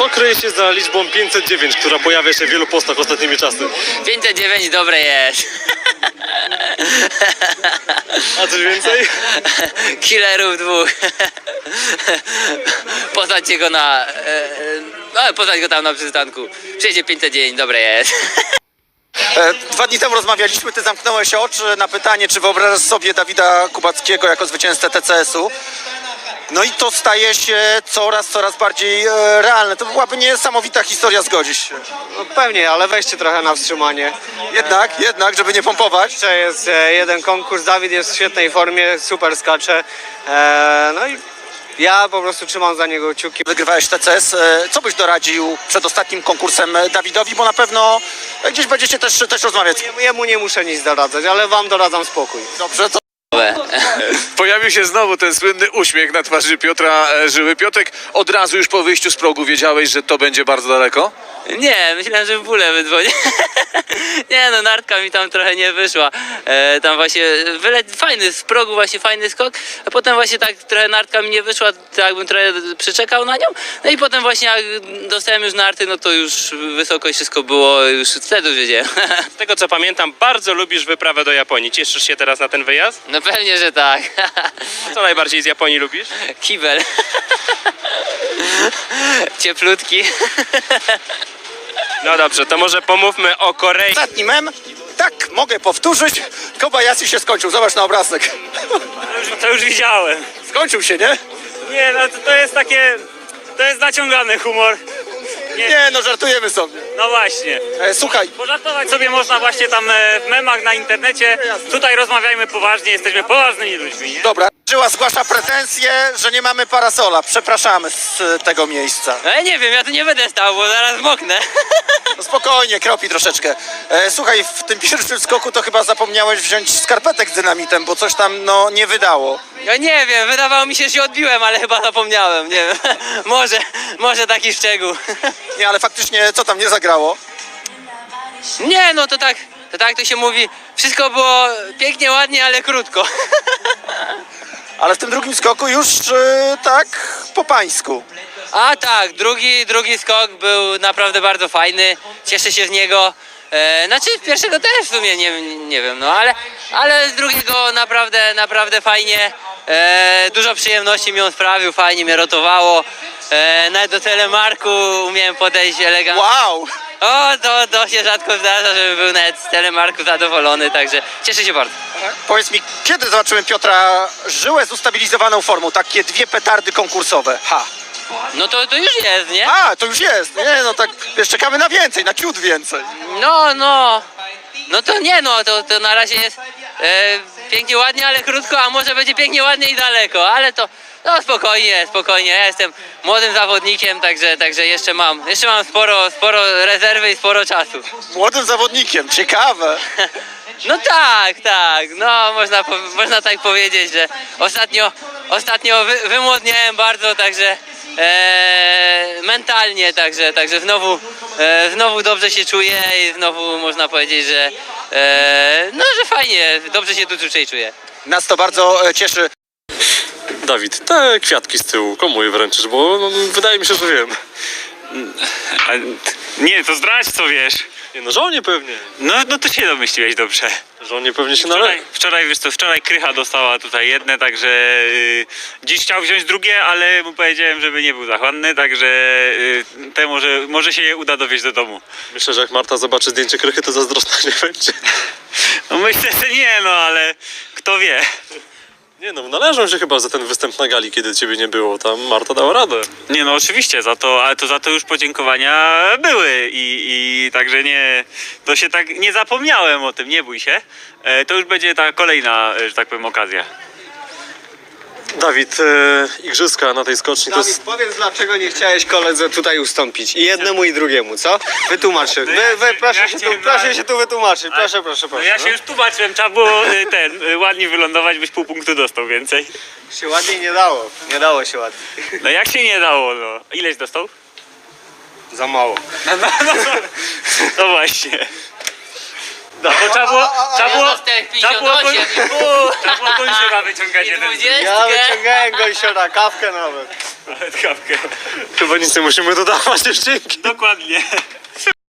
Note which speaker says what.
Speaker 1: Co kryje się za liczbą 509, która pojawia się w wielu postach ostatnimi czasy?
Speaker 2: 509 dobre jest.
Speaker 1: A coś więcej?
Speaker 2: Killerów dwóch. Poznajcie go na... poznać go tam na przystanku. Przyjedzie 509, dobre jest.
Speaker 3: 2 dni temu rozmawialiśmy, ty zamknąłeś oczy na pytanie, czy wyobrażasz sobie Dawida Kubackiego jako zwycięzcę TCS-u. No i to staje się coraz bardziej realne. To byłaby niesamowita historia, zgodzisz się.
Speaker 4: No pewnie, ale weźcie trochę na wstrzymanie.
Speaker 3: Jednak, żeby nie pompować.
Speaker 4: Jeszcze jest jeden konkurs, Dawid jest w świetnej formie, super skacze. No i ja po prostu trzymam za niego kciuki.
Speaker 3: Wygrywałeś TCS. Co byś doradził przed ostatnim konkursem Dawidowi, bo na pewno gdzieś będziecie też rozmawiać.
Speaker 4: Jemu nie muszę nic doradzać, ale wam doradzam spokój.
Speaker 3: Dobrze, to
Speaker 5: Pojawił się znowu ten słynny uśmiech na twarzy Piotra Żyły. Piotrek, od razu już po wyjściu z progu wiedziałeś, że to będzie bardzo daleko?
Speaker 2: Nie, myślałem, że w bóle wydzwonię. Nie no, nartka mi tam trochę nie wyszła. Tam właśnie fajny, z progu właśnie fajny skok, a potem właśnie tak trochę nartka mi nie wyszła, tak jakbym trochę przyczekał na nią. No i potem właśnie jak dostałem już narty, no to już wysokość wszystko było, już wtedy już wiedziałem.
Speaker 6: Z tego co pamiętam, bardzo lubisz wyprawę do Japonii. Cieszysz się teraz na ten wyjazd?
Speaker 2: No pewnie, że tak.
Speaker 6: A co najbardziej z Japonii lubisz?
Speaker 2: Kibel. Cieplutki.
Speaker 6: No dobrze, to może pomówmy o Korei.
Speaker 3: ostatni mem. Tak, mogę powtórzyć. Kobayashi się skończył, zobacz na obrazek.
Speaker 7: To już widziałem.
Speaker 3: Skończył się, nie?
Speaker 7: Nie, no to jest takie... To jest naciągany humor.
Speaker 3: Nie, no żartujemy sobie.
Speaker 7: No właśnie.
Speaker 3: Słuchaj,
Speaker 7: Pożartować sobie można właśnie tam w memach na internecie. Tutaj rozmawiajmy poważnie, jesteśmy poważnymi ludźmi, nie?
Speaker 3: dobra. Żyła zgłasza pretensje, że nie mamy parasola. Przepraszamy z tego miejsca.
Speaker 2: No ja nie wiem, ja tu nie będę stał, bo zaraz moknę.
Speaker 3: No spokojnie, kropi troszeczkę. Słuchaj, w tym pierwszym skoku to chyba zapomniałeś wziąć skarpetek z dynamitem, bo coś tam no nie wydało.
Speaker 2: Ja nie wiem, wydawało mi się, że się odbiłem, ale chyba zapomniałem, nie wiem. Może taki szczegół.
Speaker 3: Nie, ale faktycznie co tam nie zagrało?
Speaker 2: Nie, no to tak to się mówi. Wszystko było pięknie, ładnie, ale krótko.
Speaker 3: Ale w tym drugim skoku już tak po pańsku.
Speaker 2: A tak, drugi skok był naprawdę bardzo fajny. Cieszę się z niego. Znaczy pierwszego też w sumie nie wiem, no ale z drugiego naprawdę fajnie. Dużo przyjemności mi on sprawił, fajnie mnie rotowało. Nawet do telemarku umiałem podejść elegancko.
Speaker 3: Wow!
Speaker 2: O, to się rzadko zdarza, żeby był nawet z telemarku zadowolony, także cieszę się bardzo.
Speaker 3: Powiedz mi, kiedy zobaczymy Piotra Żyłę z ustabilizowaną formą? Takie 2 petardy konkursowe. Ha!
Speaker 2: No to już jest, nie?
Speaker 3: A, to już jest. Nie, no tak, wiesz, czekamy na więcej, na ciut więcej.
Speaker 2: No to nie, no to na razie jest pięknie, ładnie, ale krótko, a może będzie pięknie, ładnie i daleko, ale to no spokojnie, ja jestem młodym zawodnikiem, także jeszcze mam sporo rezerwy i sporo czasu.
Speaker 3: Młodym zawodnikiem, ciekawe.
Speaker 2: No tak, no można tak powiedzieć, że ostatnio wymłodniałem bardzo, także mentalnie, także znowu dobrze się czuję i znowu można powiedzieć, że że fajnie, dobrze się tu czuję.
Speaker 3: Nas to bardzo cieszy.
Speaker 1: Dawid, te kwiatki z tyłu, komu je wręczysz? Bo no, wydaje mi się, że wiem.
Speaker 7: Nie, to zdradź co wiesz.
Speaker 1: Nie no, żonie pewnie.
Speaker 7: No to się domyśliłeś dobrze.
Speaker 1: Żonie pewnie się należy.
Speaker 7: Wczoraj Krycha dostała tutaj jedne, także dziś chciał wziąć drugie, ale mu powiedziałem, żeby nie był zachłanny, także te może się je uda dowieźć do domu.
Speaker 1: Myślę, że jak Marta zobaczy zdjęcie Krychy, to zazdrosna nie będzie.
Speaker 7: No myślę, że nie, no ale kto wie.
Speaker 1: Nie no, należą się chyba za ten występ na gali, kiedy ciebie nie było. Tam Marta dała radę.
Speaker 7: Nie no oczywiście, ale to za to już podziękowania były i także to się tak nie zapomniałem o tym, nie bój się. To już będzie ta kolejna, że tak powiem, okazja.
Speaker 1: Dawid, igrzyska na tej skoczni to
Speaker 4: Dawid,
Speaker 1: jest...
Speaker 4: powiedz dlaczego nie chciałeś koledze tutaj ustąpić. I jednemu i drugiemu, co? Wytłumacz się. Proszę się tu wytłumaczyć. Proszę.
Speaker 7: No ja się już tłumaczyłem, trzeba było ładnie wylądować, byś pół punktu dostał więcej.
Speaker 4: Się ładniej nie dało. Nie dało się ładniej.
Speaker 7: No jak się nie dało, no. Ileś dostał?
Speaker 4: Za mało.
Speaker 7: No właśnie. No bo trzeba było gąsiora wyciągać jeden.
Speaker 2: I 20.
Speaker 4: Ja wyciągałem gąsiora, kawkę nawet.
Speaker 7: Nawet kawkę.
Speaker 1: Chyba nic nie musimy dodawać, dzięki.
Speaker 7: Dokładnie.